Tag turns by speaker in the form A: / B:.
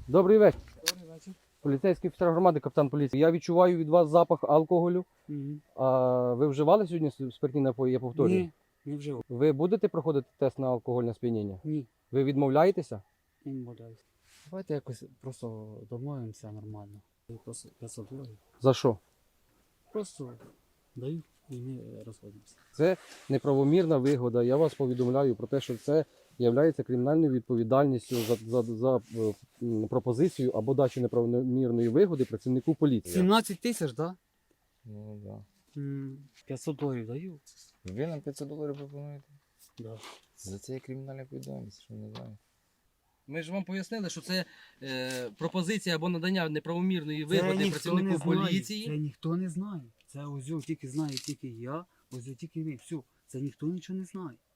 A: Добрий вечір.
B: Добрий вечір.
A: Поліцейський офіцер громади, капітан поліції. Я відчуваю від вас запах алкоголю. А ви вживали сьогодні спиртні напої, я повторюю?
B: Ні, не вжив.
A: Ви будете проходити тест на алкогольне сп'яніння?
B: Ні,
A: Ви відмовляєтеся?
B: не відмовляюсь. Давайте якось просто домовимося нормально. Я просто 500 доларів.
A: За що?
B: Просто даю і ми розходимося.
A: Це неправомірна вигода. Я вас повідомляю про те, що це є кримінальною відповідальністю за пропозицію або дачу неправомірної вигоди працівнику поліції.
B: 17 тисяч, так?
C: Ну да.
B: 500 доларів даю.
C: Ви нам 500 доларів пропонуєте?
B: Да.
C: За це є кримінальна відповідальність, що ви не знаєте.
A: Ми ж вам пояснили, що це пропозиція або надання неправомірної
B: Це
A: вигоди
B: ніхто
A: працівнику
B: не знає.
A: поліції.
B: Це ніхто не знає. Це ось тільки знає тільки я, ось тільки ви. Все. Це ніхто нічого не знає.